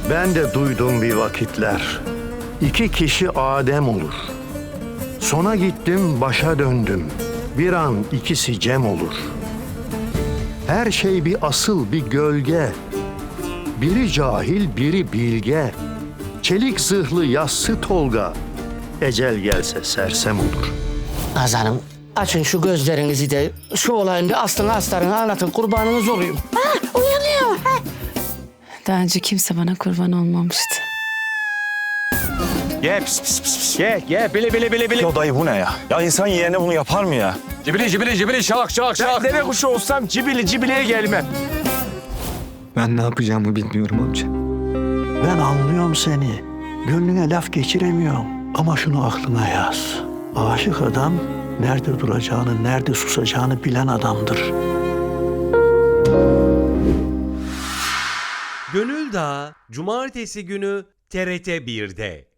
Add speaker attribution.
Speaker 1: Ben de duydum bir vakitler. İki kişi Adem olur. Sona gittim, başa döndüm. Bir an ikisi Cem olur. Her şey bir asıl, bir gölge. Biri cahil, biri bilge. Çelik zırhlı yassı Tolga. Ecel gelse sersem olur.
Speaker 2: Naz Hanım, açın şu gözlerinizi de şu olayın bir aslını astarını anlatın, kurbanınız olayım.
Speaker 3: Uyanıyor.
Speaker 4: Daha önce kimse bana kurban olmamıştı.
Speaker 5: Ye pis pis pis pis. Ye bile. Ya dayı bu ne ya? Ya insan yeğene bunu yapar mı ya?
Speaker 6: Cibili şak. Ben deve kuşu olsam cibiliye gelmem.
Speaker 7: Ben ne yapacağımı bilmiyorum amca.
Speaker 1: Ben anlıyorum seni. Gönlüne laf geçiremiyorum. Ama şunu aklına yaz. Aşık adam nerede duracağını, nerede susacağını bilen adamdır.
Speaker 8: Gönül Dağı Cumartesi günü TRT 1'de.